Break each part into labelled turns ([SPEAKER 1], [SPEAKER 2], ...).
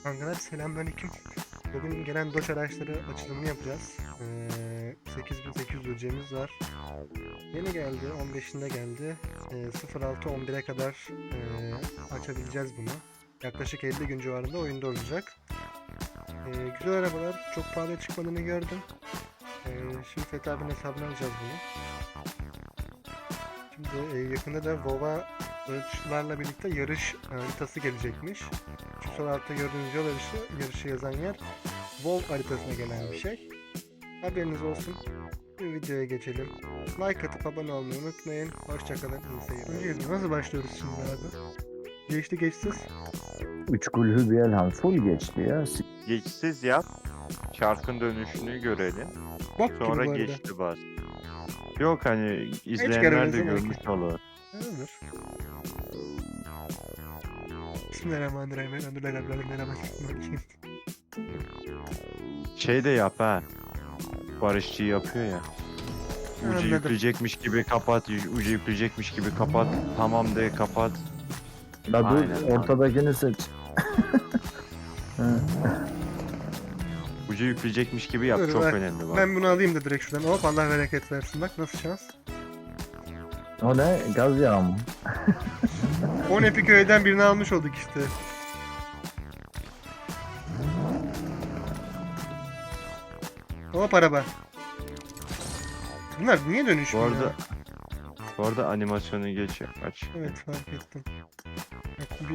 [SPEAKER 1] Kankalar selamünaleyküm. Bugün gelen Doç araçları açılımını yapacağız. 8800 ödeyeceğimiz var. Yeni geldi, 15'inde geldi. 06-11'e kadar açabileceğiz bunu. Yaklaşık 50 gün civarında oyunda olacak. Güzel arabalar, çok pahalı çıkmadığını gördüm. Şimdi Fethi abinin hesabına alacağız bunu. Şimdi yakında da WoW'a ölçülerle birlikte yarış haritası gelecekmiş. Şu sol altta gördüğünüz yol yarışı yazan yer WoW haritasına gelen bir şey. Haberiniz olsun. Bir videoya geçelim. Like atıp abone olmayı unutmayın. Hoşçakalın. İyi seyirler. Nasıl başlıyoruz şimdi abi? Geçti geçsiz.
[SPEAKER 2] Üç kulhü bir elham full geçti ya.
[SPEAKER 3] Geçsiz yap. Çarkın dönüşünü görelim.
[SPEAKER 1] Bok gibi bu
[SPEAKER 3] Sonra
[SPEAKER 1] arada.
[SPEAKER 3] geçti bas. Yok hani izleyenler
[SPEAKER 1] göremez
[SPEAKER 3] de
[SPEAKER 1] ama.
[SPEAKER 3] görmüş olur.
[SPEAKER 1] Olur. Bismillahirrahmanirrahim. Elhamdülillahirrahmanirrahim.
[SPEAKER 3] Şey de yap ha. Barışçı yapıyor ya. Ucu
[SPEAKER 1] Anladım.
[SPEAKER 3] yükleyecekmiş gibi kapat, ucu yükleyecekmiş gibi kapat. Tamam de kapat.
[SPEAKER 2] La dur
[SPEAKER 3] Aynen.
[SPEAKER 2] ortadakini seç.
[SPEAKER 3] Ucu yükleyecekmiş gibi yap.
[SPEAKER 1] Dur,
[SPEAKER 3] Çok
[SPEAKER 1] bak.
[SPEAKER 3] önemli bak.
[SPEAKER 1] Ben bunu alayım da direkt şuradan. Hop Allah bereket versin. Bak nasıl şans.
[SPEAKER 2] O ne? Gaz yağı mı?
[SPEAKER 1] 10 epik öğeden birini almış olduk işte. Hop araba. Bunlar niye
[SPEAKER 3] Bu
[SPEAKER 1] dönüşmüyor?
[SPEAKER 3] arada animasyonu geç aç.
[SPEAKER 1] Evet fark ettim. Bak,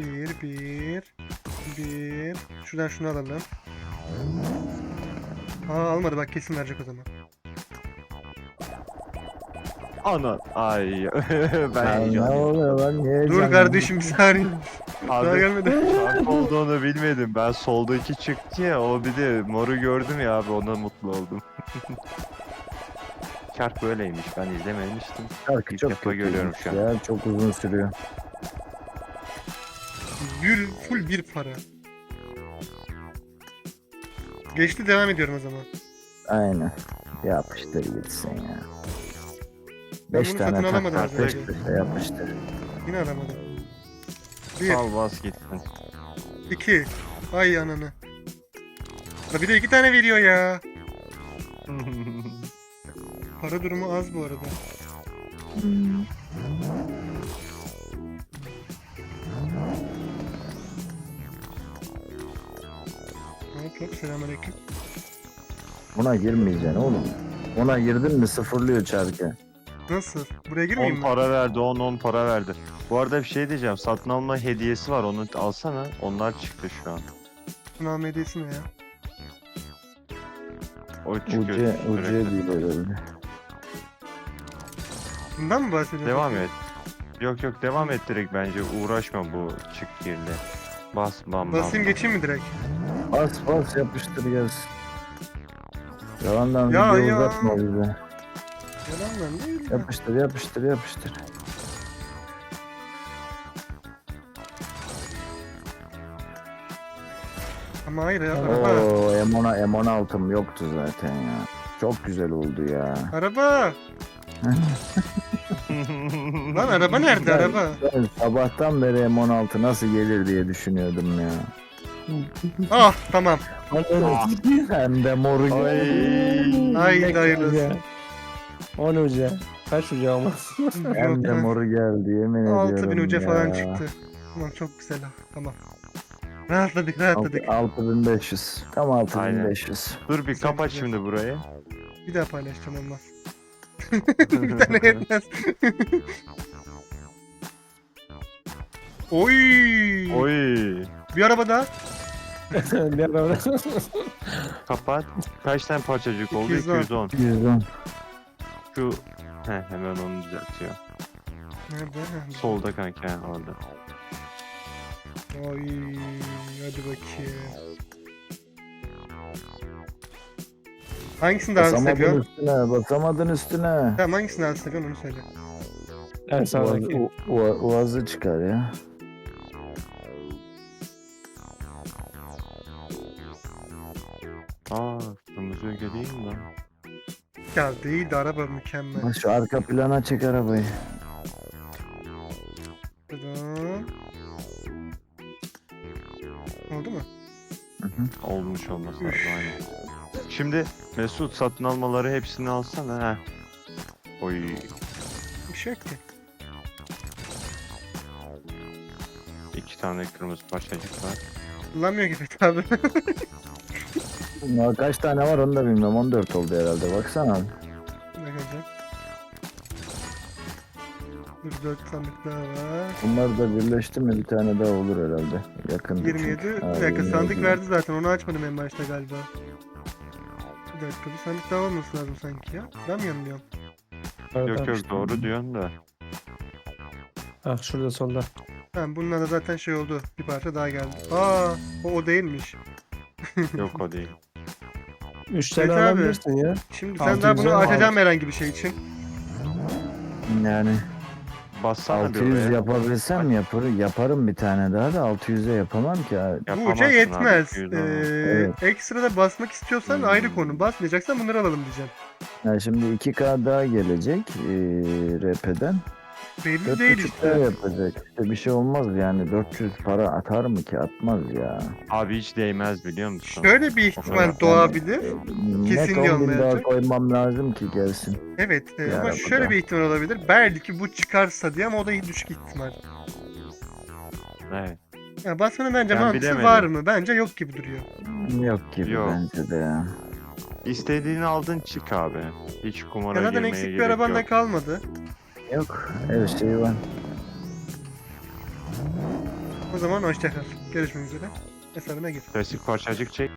[SPEAKER 1] bir. Şuradan şunu alalım. Almadı bak kesin verecek o zaman.
[SPEAKER 3] Ana ay ben
[SPEAKER 2] Lan ne
[SPEAKER 3] heyecanlıyım.
[SPEAKER 2] oluyor lan? Niye
[SPEAKER 1] Dur
[SPEAKER 2] heyecanlı?
[SPEAKER 1] kardeşim bir saniye. Daha
[SPEAKER 3] Abi
[SPEAKER 1] gelmedi.
[SPEAKER 3] fark olduğunu bilmedim. Ben soldaki çıktı ya, o bir de moru gördüm ya abi, ona mutlu oldum. Çark böyleymiş, ben izlememiştim.
[SPEAKER 2] Şarkı
[SPEAKER 3] İlk
[SPEAKER 2] çok
[SPEAKER 3] defa
[SPEAKER 2] kötü
[SPEAKER 3] görüyorum şu an.
[SPEAKER 2] ya. Çok uzun sürüyor.
[SPEAKER 1] Full bir para. Geçti devam ediyorum o zaman.
[SPEAKER 2] Aynen. Yapıştır gitsin ya.
[SPEAKER 1] Ben
[SPEAKER 2] 5
[SPEAKER 1] bunu
[SPEAKER 2] tane
[SPEAKER 1] satın
[SPEAKER 2] tak
[SPEAKER 1] alamadım
[SPEAKER 2] tak
[SPEAKER 1] az
[SPEAKER 2] peş
[SPEAKER 1] önce.
[SPEAKER 2] peşe yapıştır.
[SPEAKER 1] Yine alamadım. 1,
[SPEAKER 3] Sal bas gitsin.
[SPEAKER 1] 2. Ay ananı. La bir de 2 tane veriyor ya. Para durumu az bu arada. Hop selamünaleyküm.
[SPEAKER 2] Buna girmeyeceksin oğlum. Ona girdin mi sıfırlıyor çarkı.
[SPEAKER 1] Nasıl? Buraya
[SPEAKER 3] 10
[SPEAKER 1] girmeyeyim mi?
[SPEAKER 3] para verdi, 10 para verdi. Bu arada bir şey diyeceğim, satın alma hediyesi var, onu alsana. Onlar çıktı şu an.
[SPEAKER 1] Sınav hediyesi ne ya?
[SPEAKER 3] O çıkıyor.
[SPEAKER 2] Ucuya
[SPEAKER 3] sürekli.
[SPEAKER 2] değil herhalde.
[SPEAKER 1] Bundan mı bahsediyorsun?
[SPEAKER 3] Devam et. Yok devam et direkt bence, uğraşma bu çık girle. Bas bam bam.
[SPEAKER 1] Basayım geçeyim mi direkt?
[SPEAKER 2] Bas bas yapıştır gelsin. Yalandan
[SPEAKER 1] Ya,
[SPEAKER 2] video
[SPEAKER 1] ya.
[SPEAKER 2] uzatma bize.
[SPEAKER 1] Yalan lan değil mi?
[SPEAKER 2] Yapıştır yapıştır yapıştır.
[SPEAKER 1] Ama hayır ya araba.
[SPEAKER 2] Oo M16'm yoktu zaten ya. Çok güzel oldu ya.
[SPEAKER 1] Araba. Lan araba nerede araba?
[SPEAKER 2] Ben sabahtan beri M16 nasıl gelir diye düşünüyordum ya.
[SPEAKER 1] Ah tamam.
[SPEAKER 2] Hem de moru geldi.
[SPEAKER 1] Haydi hayırlısı.
[SPEAKER 4] 10 uca. Kaç uca olmaz?
[SPEAKER 2] Hem de moru geldi yemin ediyorum
[SPEAKER 1] 6000 uca
[SPEAKER 2] ya.
[SPEAKER 1] falan çıktı. Tamam çok güzel ha. Tamam. Rahatladık.
[SPEAKER 2] 6500. Tam 6500.
[SPEAKER 3] Dur bir
[SPEAKER 1] Güzel,
[SPEAKER 3] kapat
[SPEAKER 1] güzel.
[SPEAKER 3] şimdi burayı.
[SPEAKER 1] Bir daha paylaşacağım olmaz. Bir tane yetmez. Oy!
[SPEAKER 3] Oy.
[SPEAKER 1] Bir araba daha.
[SPEAKER 4] Bir araba.
[SPEAKER 3] Kapat. Kaç tane parçacık oldu?
[SPEAKER 1] 210.
[SPEAKER 3] 210.
[SPEAKER 2] 110.
[SPEAKER 3] Şu hemen onu düzeltiyor.
[SPEAKER 1] Nerede?
[SPEAKER 3] Solda kanka orada.
[SPEAKER 1] Oy! Hadi bakayım. Hangisini daha hızlı
[SPEAKER 2] Basamadın
[SPEAKER 1] seviyorsun?
[SPEAKER 2] üstüne, basamadın üstüne.
[SPEAKER 1] Tamam hangisini daha hızlı seviyorsun onu söyle.
[SPEAKER 4] En sağdaki.
[SPEAKER 2] Uazı çıkar ya.
[SPEAKER 3] Kırmızı öge değil mi lan?
[SPEAKER 1] Ya değil de araba mükemmel.
[SPEAKER 2] Bak şu arka plana çek arabayı.
[SPEAKER 1] Tıdım. Oldu mu?
[SPEAKER 3] Olmuş olması lazım aynen. Şimdi Mesut satın almaları hepsini alsana ha. Oy.
[SPEAKER 1] Bir şey yok ki.
[SPEAKER 3] 2 tane kırmızı parçacık var.
[SPEAKER 1] Kullanmıyor gibi tabi.
[SPEAKER 2] Ya kaç tane var onu da bilmiyorum. 14 oldu herhalde. Baksana.
[SPEAKER 1] Bakacağım. Dur 4 sandık daha var.
[SPEAKER 2] Bunlar da birleşti mi bir tane daha olur herhalde. Yakın.
[SPEAKER 1] 27. Bir dakika sandık verdi zaten. Onu açmadım en başta galiba. Bir dakika bir sandık daha olması lazım sanki ya. Ben mi yanılıyorum?
[SPEAKER 3] Yok yok doğru diyorsun da.
[SPEAKER 4] Ah şurada solda.
[SPEAKER 1] Tamam bununla da zaten şey oldu. Bir parça daha geldi. Aa o değilmiş.
[SPEAKER 3] Yok o değil.
[SPEAKER 4] 3 tane
[SPEAKER 1] Evet abi.
[SPEAKER 4] alabilirsin ya.
[SPEAKER 1] Şimdi sen daha
[SPEAKER 4] 600'e
[SPEAKER 1] bunu
[SPEAKER 4] mi
[SPEAKER 1] açacağım
[SPEAKER 4] aldın?
[SPEAKER 1] herhangi bir şey için.
[SPEAKER 2] Yani
[SPEAKER 3] Bassana
[SPEAKER 2] 600
[SPEAKER 3] bir oraya.
[SPEAKER 2] yapabilsem yaparım bir tane daha da 600'e yapamam ki abi.
[SPEAKER 1] Bu
[SPEAKER 3] Yapamazsın
[SPEAKER 1] uca
[SPEAKER 3] abi,
[SPEAKER 1] yetmez.
[SPEAKER 3] 200 olmaz.
[SPEAKER 2] Evet.
[SPEAKER 1] Ekstra da basmak istiyorsan ayrı konu. Basmayacaksan bunları alalım diyeceğim.
[SPEAKER 2] Yani şimdi 2K daha gelecek RP'den.
[SPEAKER 1] Belli değil
[SPEAKER 2] 4.5K
[SPEAKER 1] işte.
[SPEAKER 2] yapacak. İşte bir şey olmaz yani 400 para atar mı ki atmaz ya.
[SPEAKER 3] Abi hiç değmez biliyor musun?
[SPEAKER 1] Şöyle bir ihtimal doğabilir. Kesin
[SPEAKER 2] Net 10.000 daha
[SPEAKER 1] olmayacak.
[SPEAKER 2] koymam lazım ki gelsin.
[SPEAKER 1] Evet
[SPEAKER 2] Bir
[SPEAKER 1] ama
[SPEAKER 2] arabada.
[SPEAKER 1] şöyle bir ihtimal olabilir. Belki bu çıkarsa diye ama o da düşük ihtimal.
[SPEAKER 3] Evet.
[SPEAKER 1] Ya basmanın bence
[SPEAKER 3] Ben
[SPEAKER 1] mantığı
[SPEAKER 3] bilemedim.
[SPEAKER 1] var mı? Bence yok gibi duruyor.
[SPEAKER 2] Yok gibi
[SPEAKER 3] Yok.
[SPEAKER 2] bence de ya.
[SPEAKER 3] İstediğini aldın çık abi. Hiç kumara
[SPEAKER 1] Ya zaten
[SPEAKER 3] girmeye
[SPEAKER 1] eksik bir
[SPEAKER 3] gerek
[SPEAKER 1] araban da
[SPEAKER 3] yok.
[SPEAKER 1] kalmadı.
[SPEAKER 2] Yok her şey var.
[SPEAKER 1] O zaman hoşçakal. Görüşmek üzere. Hesabına gir.
[SPEAKER 3] Klasik parçacık çek.